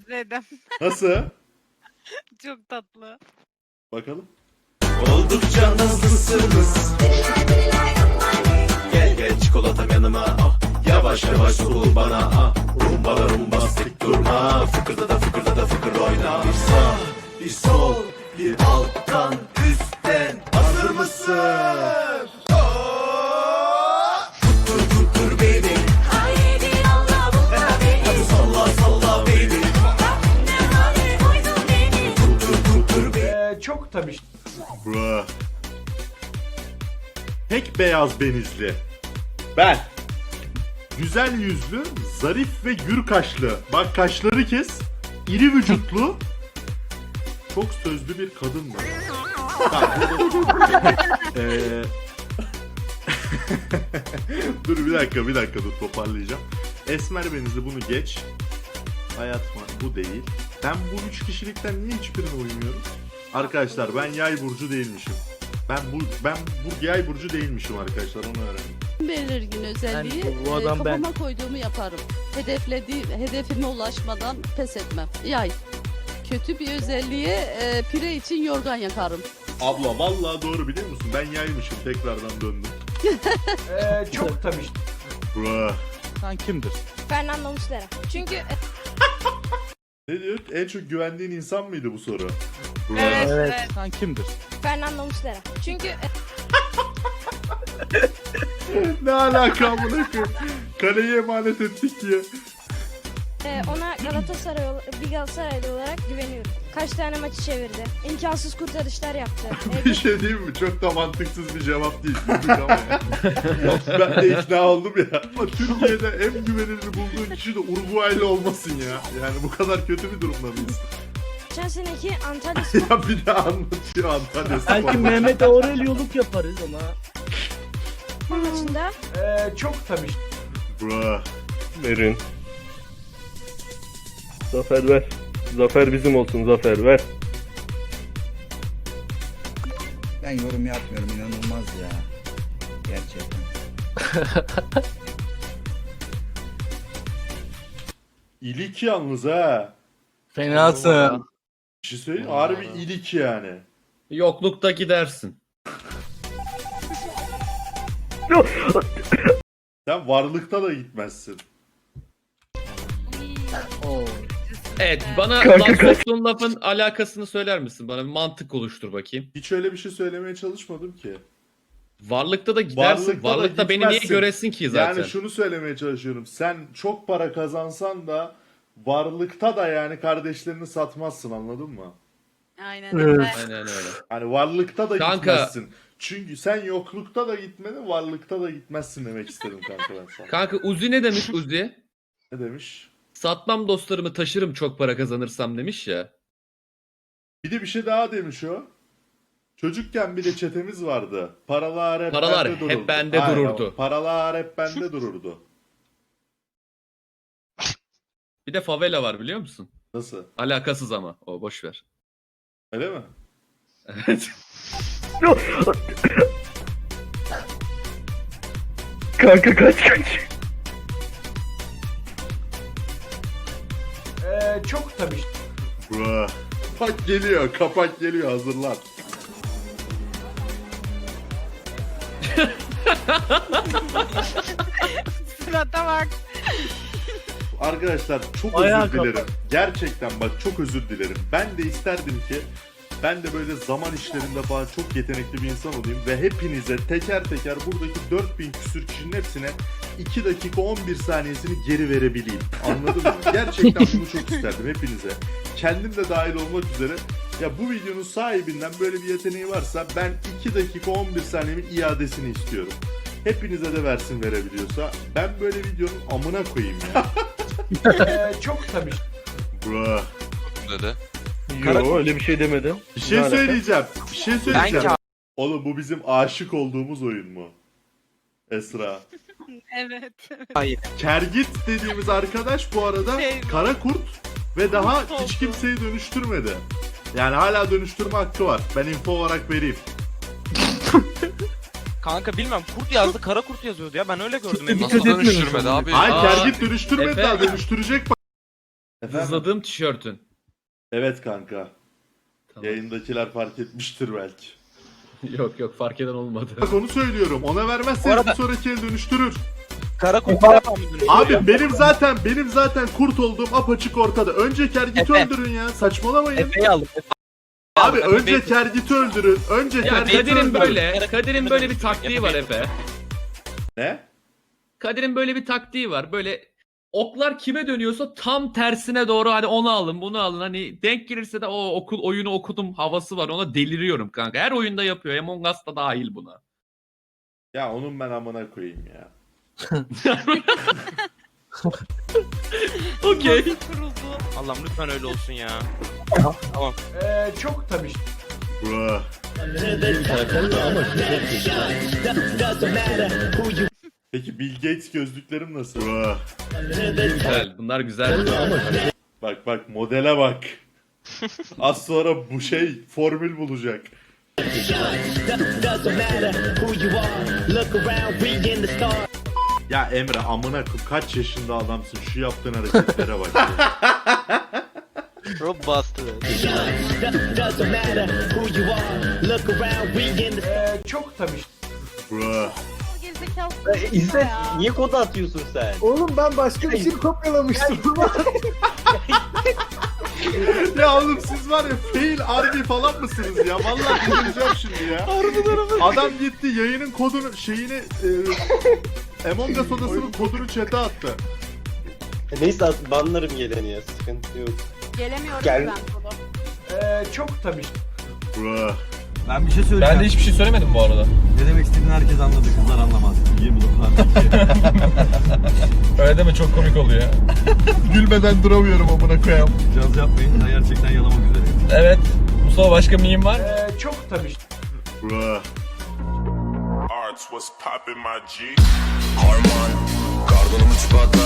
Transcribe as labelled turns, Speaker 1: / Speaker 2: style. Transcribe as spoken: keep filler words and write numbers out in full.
Speaker 1: Redem.
Speaker 2: Nasıl?
Speaker 1: Çok tatlı.
Speaker 2: Bakalım.
Speaker 3: Oldukça hızlısınız. Gel gel çikolatam yanıma ah. Yavaş yavaş sorul bana ah. Rumba da rumba sık durma. Fıkırda da fıkırda da fıkır oyna. Bir sağ bir sol bir alttan üstten. Hazır mısın? Oh! Tuttur tuttur baby.
Speaker 4: Haydi Allah bu beni.
Speaker 3: Hadi salla salla baby.
Speaker 4: Ne hale koydun beni.
Speaker 3: Tuttur tuttur baby.
Speaker 5: Ee, çok tabii.
Speaker 2: Bra. Tek beyaz benizli. Ben. Güzel yüzlü, zarif ve gür kaşlı. Bak kaşları kes. İri vücutlu. Çok sözlü bir kadın mı? Eee... dur bir dakika bir dakika dur toparlayacağım. Esmer benizli bunu geç. Hayat mı? Bu değil. Ben bu üç kişilikten niye hiçbirine uymuyorum? Arkadaşlar ben yay burcu değilmişim. Ben bu ben bu yay burcu değilmişim arkadaşlar onu öğrendim.
Speaker 6: Belirgin özelliği
Speaker 5: Ben- bu
Speaker 6: e,
Speaker 5: adam ben.
Speaker 6: kafama koyduğumu yaparım. Hedeflediğim, hedefime ulaşmadan pes etmem. Yay. Kötü bir özelliğe e, pire için yorgan yakarım.
Speaker 2: Abla vallahi doğru biliyor musun? Ben yaymışım tekrardan döndüm.
Speaker 5: Ee, çok tabii.
Speaker 2: Bra.
Speaker 7: Sen kimdir?
Speaker 4: Fernando Muslera. Çünkü
Speaker 2: Ne diyor? En çok güvendiğin insan mıydı bu soru? Bra.
Speaker 1: Evet,
Speaker 5: Evet.
Speaker 1: evet.
Speaker 7: Sen kimdir?
Speaker 4: Fernando Muslera. Çünkü
Speaker 2: Ne alaka amına koyayım? Kaleyi emanet ettik ya.
Speaker 4: e, ona Galatasaray ol- bir Galatasaraylı olarak güveniyorum. Kaç tane maçı çevirdi. İmkansız kurtarışlar yaptı. E,
Speaker 2: Bir şey diyeyim mi? Çok da mantıksız bir cevap değil. Güldük ama ya. Ben de ikna oldum ya. Ama Türkiye'de en güvenilir bulduğun kişi de Uruguaylı olmasın ya. Yani bu kadar kötü bir durumda mıyız?
Speaker 4: geçen seneki Antalya Spor
Speaker 2: Ya bir daha anlatıyor Antalya Spor.
Speaker 5: Belki Mehmet Aurelyoluk yaparız ama.
Speaker 4: maçında
Speaker 5: Ee, çok tabii.
Speaker 2: Bra.
Speaker 8: Verin. Zafer ver. Zafer bizim olsun Zafer ver.
Speaker 9: Ben yorum yapmıyorum, inanılmaz ya. Gerçekten.
Speaker 2: İlik yalnız ha.
Speaker 7: Fenasın.
Speaker 2: Bir şey söyleyeyim mi? Harbi ilik yani.
Speaker 7: Yoklukta gidersin.
Speaker 2: Sen varlıkta da gitmezsin.
Speaker 10: Evet, bana
Speaker 8: Kanka,
Speaker 10: laf soktuğun lafın alakasını söyler misin? Bana bir mantık oluştur bakayım.
Speaker 2: Hiç öyle bir şey söylemeye çalışmadım ki.
Speaker 10: Varlıkta da gidersin.
Speaker 2: Varlıkta
Speaker 10: Varlıkta,
Speaker 2: da
Speaker 10: beni niye
Speaker 2: gitmezsin.
Speaker 10: göresin ki zaten?
Speaker 2: Yani şunu söylemeye çalışıyorum. Sen çok para kazansan da varlıkta da yani kardeşlerini satmazsın, anladın mı?
Speaker 1: Aynen öyle.
Speaker 10: Aynen öyle.
Speaker 2: Hani varlıkta da
Speaker 10: Kanka.
Speaker 2: gitmezsin. Çünkü sen yoklukta da gitmedin, varlıkta da gitmezsin demek istedim kanka ben sana.
Speaker 10: Kanka Uzi ne demiş Uzi?
Speaker 2: Ne demiş?
Speaker 10: Satmam dostlarımı taşırım çok para kazanırsam demiş ya.
Speaker 2: Bir de bir şey daha demiş o. Çocukken bir de çetemiz vardı. Paralar hep
Speaker 10: Paralar
Speaker 2: bende
Speaker 10: hep
Speaker 2: dururdu.
Speaker 10: bende
Speaker 2: Aynen,
Speaker 10: dururdu.
Speaker 2: Paralar hep bende dururdu.
Speaker 10: Bir de favela var biliyor musun?
Speaker 2: Nasıl?
Speaker 10: Alakasız ama o boş ver.
Speaker 2: Öyle mi?
Speaker 10: Evet.
Speaker 8: Kanka kaç kaç.
Speaker 5: Ee, çok tabii.
Speaker 2: Bra. Bak geliyor, kapak geliyor, hazırlan.
Speaker 1: Surata bak.
Speaker 2: Arkadaşlar çok
Speaker 5: Ayağa
Speaker 2: özür dilerim. Gerçekten bak çok özür dilerim. Ben de isterdim ki ben de böyle zaman işlerinde falan çok yetenekli bir insan olayım ve hepinize teker teker buradaki dört bin küsür kişinin hepsine iki dakika on bir saniyesini geri verebileyim. Anladın mı? Gerçekten bunu çok isterdim hepinize. Kendim de dahil olmak üzere. Ya bu videonun sahibinden böyle bir yeteneği varsa ben iki dakika on bir saniyemin iadesini istiyorum. Hepinize de versin verebiliyorsa. Ben böyle videonun amına koyayım ya.
Speaker 5: Ee, çok tabii.
Speaker 2: Bro.
Speaker 8: Yo öyle bir şey demedim.
Speaker 2: Bir şey
Speaker 8: Ne alaka?
Speaker 2: söyleyeceğim. Bir şey söyleyeceğim. Oğlum bu bizim aşık olduğumuz oyun mu? Esra.
Speaker 1: Evet.
Speaker 2: Kergit dediğimiz arkadaş bu arada
Speaker 1: Şey-
Speaker 2: kara kurt ve daha
Speaker 1: Kurt
Speaker 2: hiç
Speaker 1: oldu.
Speaker 2: kimseyi dönüştürmedi. Yani hala dönüştürme hakkı var. Ben info olarak vereyim.
Speaker 11: Kanka bilmem kurt yazdı kara kurt yazıyordu ya ben öyle gördüm.
Speaker 8: Nasıl dönüştürmedi
Speaker 7: abi?
Speaker 2: Hayır
Speaker 10: Aa,
Speaker 2: Kergit dönüştürmedi
Speaker 10: Efe-
Speaker 2: daha dönüştürecek. Efendim?
Speaker 10: Hızladığım tişörtün.
Speaker 2: Evet kanka.
Speaker 10: Tamam.
Speaker 2: Yayındakiler fark etmiştir belki.
Speaker 10: Yok yok fark eden olmadı.
Speaker 2: Bak onu söylüyorum. Ona vermezseniz
Speaker 11: Bu arada-
Speaker 2: bir sonraki el dönüştürür.
Speaker 11: Kara kurt bir defa mı dönüşüyor?
Speaker 2: Abi benim zaten benim zaten kurt olduğum apaçık ortada. Önce Kergit'i
Speaker 11: Efe.
Speaker 2: öldürün ya. Saçmalamayın.
Speaker 11: Efe'yi aldım.
Speaker 2: Abi
Speaker 11: Efe
Speaker 2: önce
Speaker 11: benim-
Speaker 2: Kergit'i öldürün. Önce
Speaker 10: Ya
Speaker 2: Kergit'i
Speaker 10: Kadir'in
Speaker 2: öldürün.
Speaker 10: böyle, Kadir'in böyle bir taktiği var Efe.
Speaker 2: Ne?
Speaker 10: Kadir'in böyle bir taktiği var. Böyle oklar kime dönüyorsa tam tersine doğru hadi onu alın bunu alın. Hani denk gelirse de o okul oyunu okudum havası var. Ona deliriyorum kanka. Her oyunda yapıyor. Among Us da dahil buna.
Speaker 2: Ya onun ben amına koyayım ya.
Speaker 10: Okey.
Speaker 1: Kuruldu.
Speaker 11: Allah'ım lütfen öyle olsun ya. Tamam.
Speaker 5: Ee, çok tabii.
Speaker 2: Bro. Peki Bill Gates gözlüklerim nasıl? Bro.
Speaker 10: Güzel. Bunlar güzel.
Speaker 2: Bak bak modele bak. Az sonra bu şey formül bulacak. Ya Emre amına koyayım kaç yaşında adamsın şu yaptığın hareketlere bak ya.
Speaker 11: Rob bastı.
Speaker 5: Ee, çok tabii.
Speaker 2: Bro.
Speaker 11: İzzet niye kodu atıyorsun sen?
Speaker 5: Oğlum ben başka bir şey kopyalamıştım.
Speaker 2: Ya oğlum siz var ya fail army falan mısınız ya? Vallahi delireceğim şimdi ya. Adam gitti yayının kodunu şeyini e, Among Us odasının kodunu chat'e attı.
Speaker 11: Neyse banlarım geleni ya sıkıntı yok.
Speaker 1: Gelemiyorum
Speaker 11: Gel.
Speaker 1: ben sola.
Speaker 5: Ee, çok tabii.
Speaker 2: Bro.
Speaker 9: Ben bir şey söyleyeceğim.
Speaker 7: Ben de hiçbir şey söylemedim bu arada.
Speaker 9: Ne demek istediğini herkes anladı. Kızlar anlamaz. İyi bloklar.
Speaker 7: Öyle deme çok komik oluyor.
Speaker 2: Gülmeden duramıyorum amına koyayım.
Speaker 9: Caz yapmayın. Ben gerçekten yalamak üzereyim.
Speaker 7: Evet. Mustafa başka miyim var?
Speaker 5: Ee, çok tabii.
Speaker 2: Bro.
Speaker 3: Arts was popping my G. Harman, karbonum üç patlar.